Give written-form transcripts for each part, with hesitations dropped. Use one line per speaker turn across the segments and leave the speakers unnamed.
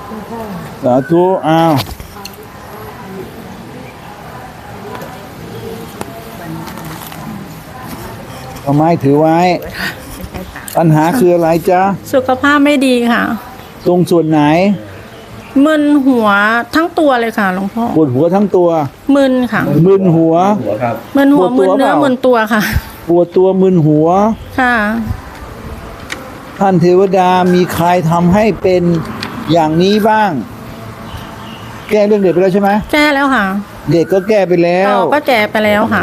สาธุอ้าวเอาไม้ถือไว้ ปัญหาคืออะไรจ๊ะ
สุขภาพไม่ดีค่ะ
ตรงส่วนไหน
มึนหัวทั้งตัวเลยค่ะหลวงพ่อ
ปวดหัวทั้งตัว
มึนค่ะ
มึนหัว
มึนหัว
ปวดตัว
มึนเนื้อ
เปล่า
มึนตัวค่ะ
ปวดตัวมึนหัว
ค่ะ
ท่านเทวดามีใครทำให้เป็นอย่างนี้บ้าง แก้เรื่องเด็กไปแล้วใช่ไหม
แก้แล้วค่ะ
เด็กก็แก้ไปแล้ว
ต่อก็แก้ไปแล้วค่ะ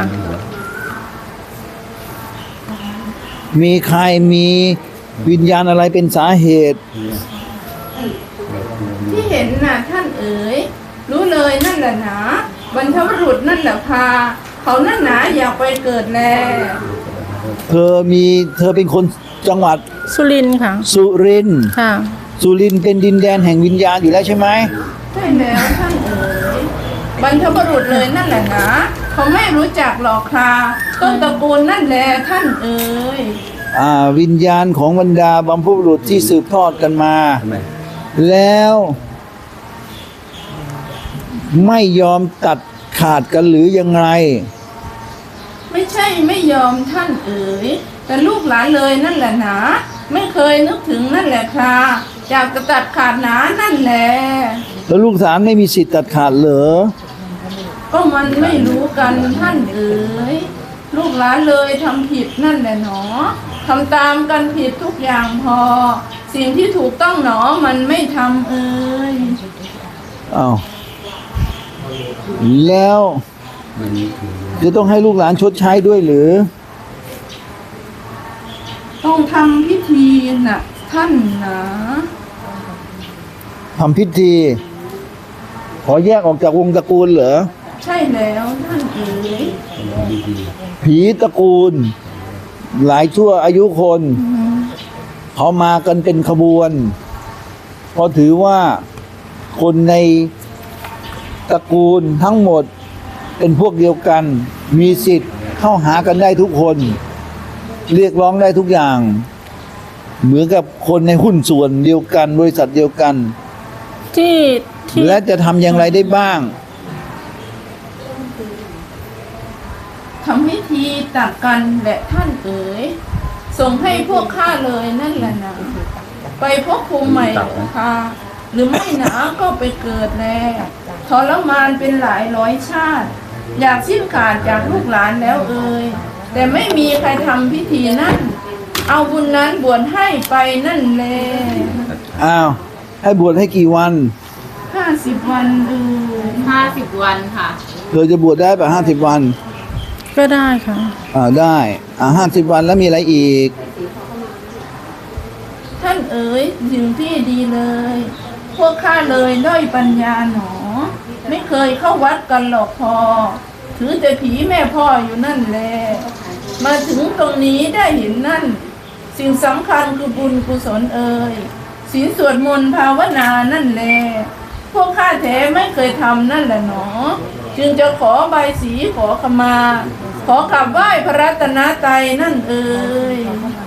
มีใครมีวิญญาณอะไรเป็นสาเหตุ
ที่เห็นน่ะท่านเอ๋ยรู้เลยนั่นแหละหนาบรรพบุรุษนั่นแหละพาเขานั่นหนาอยากไปเกิดแล
เธอเป็นคนจังหวัด
สุรินทร์ค่ะ
สุรินทร์
ค่ะ
สุรินทร์เป็นดินแดนแห่งวิญญาณอยู่แล้วใช่ไหม
ใช่แล้วท่านเอ๋ยบรรพบุรุษเลยนั่นแหละหนาเขาไม่รู้จักหรอกค่ะต้นตระกูลนั่นแหละท่านเอ๋ย
วิญญาณของบรรดาบัมพบุรุษที่สืบทอดกันมา แล้วไม่ยอมตัดขาดกันหรือยังไง
ไม่ใช่ไม่ยอมท่านเอ๋ยแต่ลูกหลานเลยนั่นแหละหนาไม่เคยนึกถึงนั่นแหละค่ะอยากจะตัดขาดหนานั่นแหละ
แล้วลูกสาวไม่มีสิทธิ์ตัดขาดเหรอ
ก็มันไม่รู้กันท่านเอ๋ยลูกหลานเลยทำผิดนั่นแหละหนอทำตามกันผิดทุกอย่างพอ สิ่งที่ถูกต้องหนอมันไม่ทำเอ๋ย
อ้าวแล้วจะต้องให้ลูกหลานชดใช้ด้วยหรือ
ต้องทำพิธีน่ะท่านนะ
ทำพิธี ขอแยกออกจากวงตระกูลเหรอ
ใช่แล้วท่านเอ๋ย
ผีตระกูล หลายชั่วอายุคน เขามากันเป็นขบวนเพราะถือว่าคนในตระกูลทั้งหมดเป็นพวกเดียวกัน มีสิทธิ์เข้าหากันได้ทุกคน เรียกร้องได้ทุกอย่าง เหมือนกับคนในหุ้นส่วนเดียวกัน บริษัทเดียวกัน
ที่
และจะทำอย่างไรได้บ้าง
ทำพิธีตักกันแหละท่านเอ๋ยส่งให้พวกข้าเลยนั่นแหละนะไปพบภูมิใหม่ค่ะหรือไม่หนาก็ไปเกิดแล้วทรมานเป็นหลายร้อยชาติ อยากสิ้นขาดจากลูกหลานแล้วเอ่ยแต่ไม่มีใครทำพิธีนั่นเอาบุญนั้นบวชให้ไปนั่นแหละ
อ้าว ให้บวชให้กี่วัน
50 วันเอ่ย
50 วันค่ะ
เธอจะบวชได้ป่ะ50 วัน
ก็ได้ค่ะ
ได้50 วันแล้วมีอะไรอีก
ท่านเอ๋ยสิ่งที่ดีเลย พวกข้าเลยด้อยปัญญาหนอ ไม่เคยเข้าวัดกันหรอกพอ ถือแต่ผีแม่พ่ออยู่นั่นแหละมาถึงตรงนี้ได้เห็นนั่น สิ่งสำคัญคือบุญกุศลเอ่ยศีลสวดมนต์ภาวนานั่นแหละพวกข้าแท้ไม่เคยทำนั่นแหละหนอ จึงจะขอใบสีขอขมา ขอกราบไหว้พระรัตนตรัยนั่นเอ่ย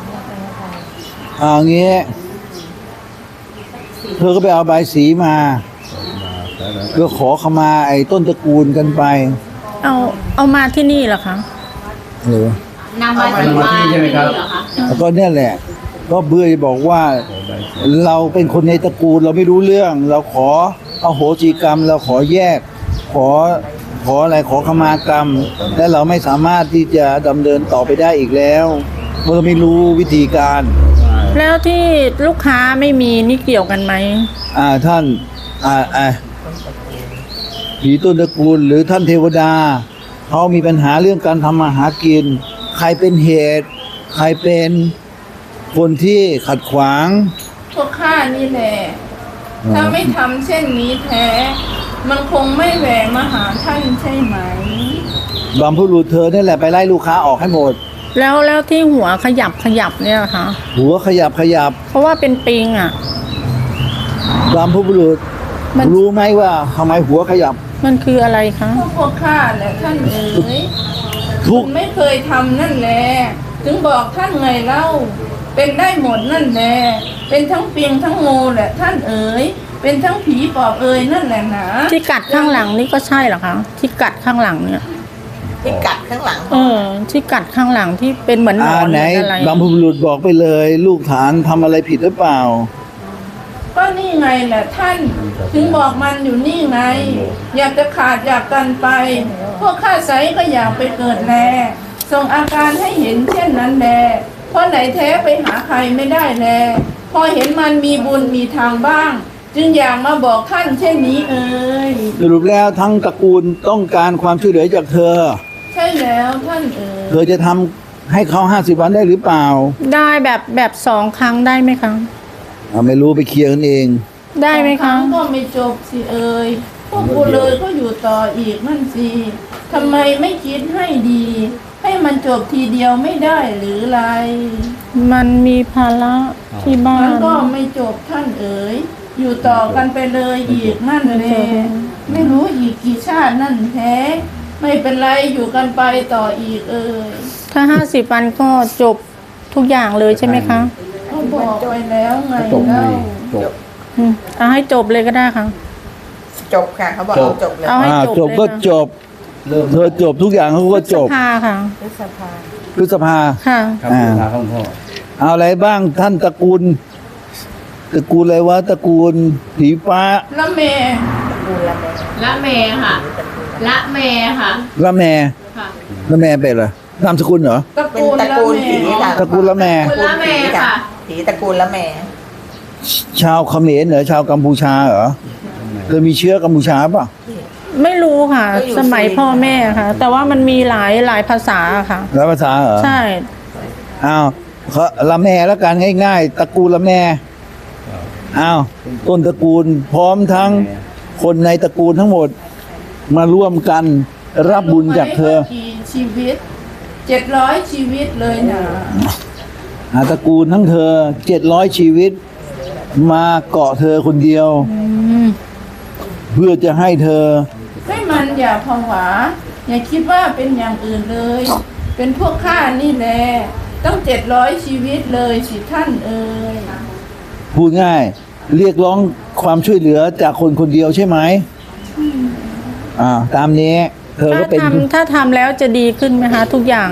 งี้เธอก็ไปเอาใบสีมาเพื่อขอขมาไอ้ต้นตระกูลกันไป
เอามาที่นี่เหรอคะ
หรือน
ำมาที่บ้านนี่เหรอคะ
แล้วก็เนี่ยแหละ ก็เบื่อบอกว่าเราเป็นคนในตระกูลเราไม่รู้เรื่อง เราขออโหสิกรรม เราขอแยก ขออะไรขอขมากรรม และเราไม่สามารถที่จะดำเนินต่อไปได้อีกแล้วเพราะเราไม่รู้วิธีการ
แล้วที่ลูกค้าไม่มีนี่เกี่ยวกันไหม
ท่านผีต้นตระกูลหรือท่านเทวดาเขามีปัญหาเรื่องการทำมาหากิน ใครเป็นเหตุ ใครเป็นคนที่ขัดขวาง
พวกข้านี่แหละ ถ้าไม่ทำเช่นนี้แท้ มันคงไม่แหวะมาหาท่านใช่ไหม
บัมพบุรุษเธอนี่แหละไปไล่ลูกค้าออกให้หมด
แล้วที่หัวขยับเนี่ยเหรอคะ
หัวขยับ
เพราะว่าเป็นปิงอ่ะ
บัมพบุรุษ
มัน
รู้ไหมว่าทำไมหัวขยับ
มันคืออะไรคะ
พวกข้าแหละท่านเอ๋ย
ทุก
ไม่เคยทำนั่นแหละ ถึงบอกท่านไงเล่า ไปเป็นได้หมดนั่นแหละเป็นทั้งเปียงทั้งงูแหละท่านเอ๋ยเป็นทั้งผีปอบเอ๋ยนั่นแหละหนา
ที่กัดข้างหลังนี่ก็ใช่เหรอคะที่กัดข้างหลังเนี่ย
ที่กัดข้างหลัง
ที่กัดข้างหลังที่เป็นเหมือนหนอน
ไหน
หรืออะไร
บรรพบุรุษบอกไปเลย ลูกฐานทำอะไรผิดหรือเปล่า
ก็นี่ไงแหละท่าน ถึงบอกมันอยู่นี่ไง อยากจะขาดอยากกันไป พวกข้าไซก็อยากไปเกิดแลส่งอาการให้เห็นเช่นนั้นแลเพราะไหนแท้ไปหาใครไม่ได้แลพอเห็นมันมีบุญมีทางบ้าง จึงอยากมาบอกท่านเช่นนี้เอ่ย
สรุปแล้วทั้งตระกูลต้องการความช่วยเหลือจากเธอ
ใช่แล้วท่านเอ๋ย
เธอจะทำให้เขา50 วันได้หรือเปล่า
ได้แบบ2 ครั้งได้ไหมคะ
ไม่รู้ไปเคลียร์กันเอง
ได้ไหม
ค
คะ
รั้งก็ไม่จบสิเอ่ยพวกกูเลยก็อยู่ต่ออีกนั่นสิทำไมไม่คิดให้ดี ให้มันจบทีเดียวไม่ได้หรือไร
มันมีภาระที่บ้า
มัน
น
ก็ไม่จบท่านเอ๋ยอยู่ต่อกันไปเลยอีกนั่นแหละไม่รู้อีกกี่ชาตินั่นแท้ไม่เป็นไรอยู่กันไปต่ออีกเอ่ย
ถ้า50 วันก็จบทุกอย่างเลยใช่ไหมคะ
เขาบอกไปแล้วไงเล่า
เอาให้จบเลยก็ได้ค่ะ
จบค่ะเขาบอกเอาจบเลย
เอาให้
จบก็จบเธอจบทุกอย่างเขาก็จบ
พฤษภาค่ะ
พฤษภา
พฤษภา
ค่ะ
ครับคุณตาของพ่อ
เอาอะไรบ้างท่านตระกูลอะไรวะตระกูลผีฟ้า
ละเม
ดูแลแม่
ละเมค่ะ ละเมค่ะ
ละแม
ค่ะ
ละแมเป็นเหรอนามสกุลเหรอ
ตระ
เป็น
กูล
ตระ
ละ
กูล
เม
ผีค่ะ
ตระกูลละแม
ตระกูลละแม่ค่ะ
ผีตระกูลละแม่
ชาวเขมรเหรอชาวกัมพูชาเหรอเธอมีเชื้อกัมพูชาป่ะ
ไม่รู้ค่ะ สมัยพ่อแม่ค่ะ แต่ว่ามันมีหลายภาษาค่ะ
แล้วภาษาเหรอ
ใช่
อ้าวเขาละแมแล้วกันง่ายๆตระกูลละแมอ้าวต้นตระกูลพร้อมทั้งคนในตระกูลทั้งหมด มาร่วมกันรับบุญจากเธอ
รู้ไหมว่ากี่ชีวิต700 ชีวิตเลยนะ
ตระกูลทั้งเธอ700 ชีวิต มาเกาะเธอคนเดียว เพื่อจะให้เธอ
ให้มันอย่าผวา อย่าคิดว่าเป็นอย่างอื่นเลย เป็นพวกข้านี่แหละต้อง700 ชีวิตเลยสิท่านเอ่ย
พูดง่าย เรียกร้องความช่วยเหลือจากคนคนเดียวใช่ไหมตามนี้ เธอก็เป็น
ถ้าทำแล้วจะดีขึ้นไหมคะทุกอย่าง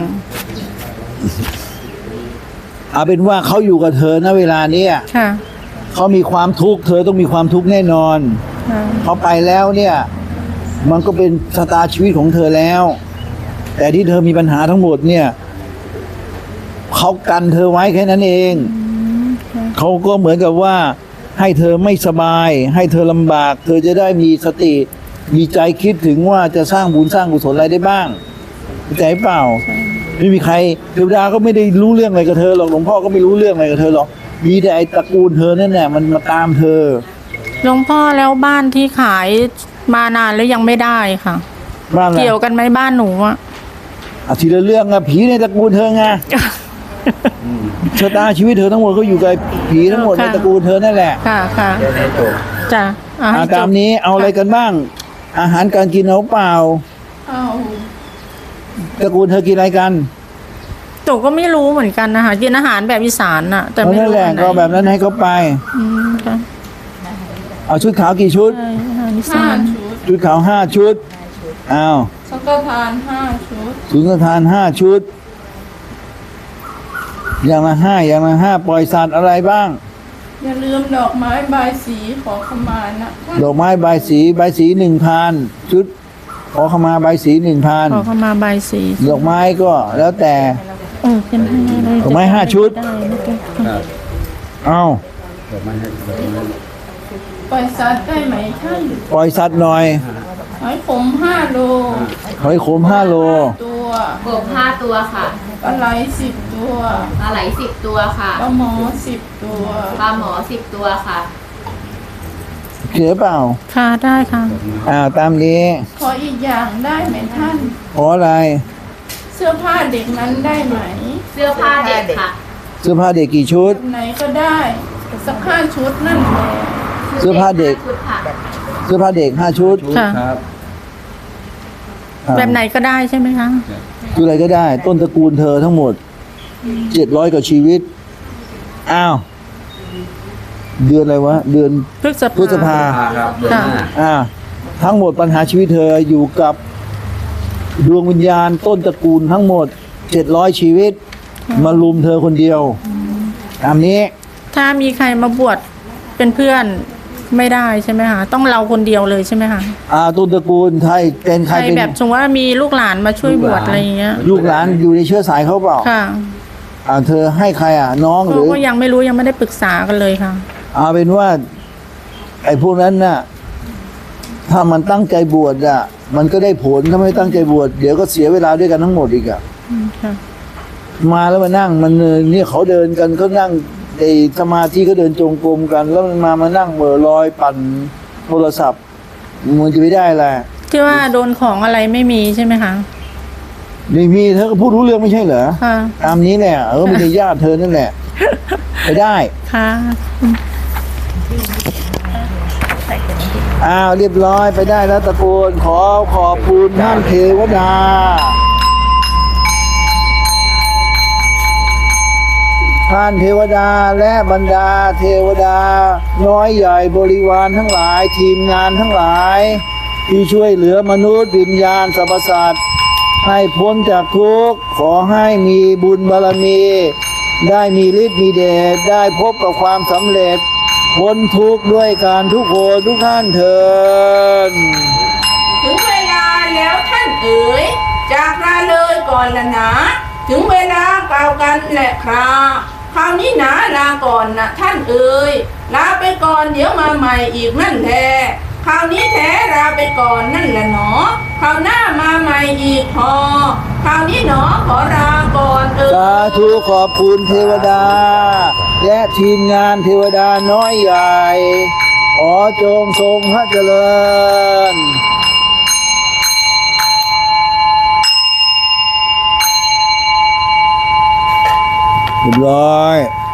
เอาเป็นว่าเขาอยู่กับเธอณเวลาเนี้ย
ค่ะ
เขามีความทุกข์เธอต้องมีความทุกข์แน่นอน
ค่ะ
เขาไปแล้วเนี่ย มันก็เป็นชะตาชีวิตของเธอแล้ว แต่ที่เธอมีปัญหาทั้งหมดเนี่ยเขากันเธอไว้แค่นั้นเองเขาก็เหมือนกับว่าให้เธอไม่สบาย ให้เธอลำบาก เธอจะได้มีสติ มีใจคิดถึงว่าจะสร้างบุญสร้างกุศลอะไรได้บ้างเข้าใจเปล่าไม่มีใครเทวดาก็ไม่ได้รู้เรื่องอะไรกับเธอหรอกหลวงพ่อก็ไม่รู้เรื่องอะไรกับเธอหรอกมีแต่ไอ้ตระกูลเธอนั่นแหละมันมาตามเธอ
หลวงพ่อแล้วบ้านที่ขายมานานแล้วยังไม่ได้ค่ะ
บ้านอะไร
เกี่ยวกันไหมบ้านหนูอะ
ทีละเรื่องอะผีในตระกูลเธอไงชะตาชีวิตเธอทั้งหมดก็อยู่กับผีทั้งหมดในตระกูลเธอนั่นแหละ
ค่ะค่ะจ้ะเอาให้จ
ตาม
บ
นี้เอาอะไรกันบ้าง อาหารการกินเอาเปล่า
เอา
ตระกูลเธอกินอะไรกัน
หนูก็ไม่รู้เหมือนกันนะคะกินอาหารแบบอีสานน่ะ แต่
เอา
ไม่
นั่น
รู้
แหละ
อันไหน
ก็แบบนั้นให้เขาไป
ค่ะ
เอาชุดขาวกี่ชุด
ใช่อาหารอีสา
5
น
ชุด
ชุดขาว5 ชุดอ้าว
สังฆทาน5 ชุด
สุนทาน5 ชุด อย่างละ5อย่างละ5ปล่อยสัตว์อะไรบ้าง
อย่าลืมดอกไม้บายสีขอขมานะท่าน
ดอกไม้ใบายสี1,000ชุดขอขมาใบายสี1,000
ขอเข้ามาใบายสี
ดอกไม้ก็แล้วแต่
เป็นให้เลย
ดอกไม้5 ชุด
ได้นะจ๊ะ
ครับ
เอา
ดอกไม้ให้ดอกไม้
ปล่อยสัตว์ได้ไหมท่าน
ปล่อยสัตว์หน่อย
หอยขม5 โล
หอยขม5 โล
ตัว
กบ5 ตัวค่ะ
ปลาไหล10 ตัว
ปลาไหล10 ตัวค่ะ
ปลาหมอ10 ตัว
ปลาหมอ10 ตัวค่ะ
เขียเปล่า
ค่ะได้ค่ะ
ตามนี้
ขออีกอย่างได้ไหมท่าน
ขออะไร
เสื้อผ้าเด็กนั้นได้ไหม
เสื้อผ้าเด็กค่ะ
เสื้อผ้าเด็กกี่ชุด
แบบไหนก็ได้สัก5 ชุดนั่นแหละ
เสื้อผ้าเด็ก
ชุดค่ะ
เสื้อผ้าเด็ก5 ชุด
ชุด
ค่ะ
ครับ
แบบไหนก็ได้ใช่ไหมคะ
ชุดอะไรก็ได้ ต้นตระกูลเธอทั้งหมด700 กว่าชีวิตอ้าวเดือนอะไรวะเดือน
พฤษ
พฤษภา
ครับเดือนหน้า
ทั้งหมดปัญหาชีวิตเธออยู่กับดวงวิญญาณต้นตระกูลทั้งหมด700ชีวิต มารุมเธอคนเดียวตามนี้
ถ้ามีใครมาบวชเป็นเพื่อนไม่ได้ใช่ไหมคะต้องเราคนเดียวเลยใช่ไหมคะ
ต้นตระกูลไทยเป็นใค
ใค
ร
ร
เป็น
แบบสมมติว่ามีลูกหลานมาช่วยบวชอะไรอย่างเงี้ย
ลูกหลานอยู่ในเชื้อสายเขาเปล่า
ค่ะ
เธอให้ใครน้องหรือ
ก็ยังไม่รู้ยังไม่ได้ปรึกษากันเลยค่ะ
เอาเป็นว่า ไอ้พวกนั้นน่ะ ถ้ามันตั้งใจบวชมันก็ได้ผลถ้าไม่ตั้งใจบวชเดี๋ยวก็เสียเวลาด้วยกันทั้งหมดอีก
ค่ะ
มาแล้วมานั่งมันเนี่ยเขาเดินกันเขานั่งไอ้สมาธิก็เดินจงกรมกัน แล้วมันมานั่งเหม่อลอยปั่นโทรศัพท์มันจะไม่ได้แหละ
ที่ว่าโดนของอะไรไม่มีใช่ไหมคะ
ไม่มีเธอก็พูดรู้เรื่องไม่ใช่เหรอ
ค่ะ
ตามนี้แหละไม่ใช่ญาติเธอนั่นแหละไปได้
ค่ะ
เรียบร้อยไปได้แล้วตะโกนขอบคุณท่านเทวดาท่านเทวดาและบรรดาเทวดาน้อยใหญ่บริวารทั้งหลายทีมงานทั้งหลาย ที่ช่วยเหลือมนุษย์วิญญาณสรรพสัตว์ให้พ้นจากทุกข์ขอให้มีบุญบารมี ได้มีฤทธิ์มีเดชได้พบกับความสำเร็จพ้นทุกข์ด้วยการทุกคนทุกท่านเถิด
ถึงเวลาแล้วท่านเอ๋ยจากลาเลยก่อนละนะถึงเวลากล่าวกันแหละครับคราวนี้นะลาก่อนนะท่านเอ๋ยลาไปก่อนเดี๋ยวมาใหม่อีกนั่นแท้คราวนี้แท้ลาไปก่อนนั่นแหละหนอคราวหน้ามาใหม่อีกพอคราวนี้หนอขอลาก่อนเอ๋ย
สาธุขอบคุณเทวดา และทีมงานเทวดาน้อยใหญ่ขอจงทรงพระเจริญเรียบร้อย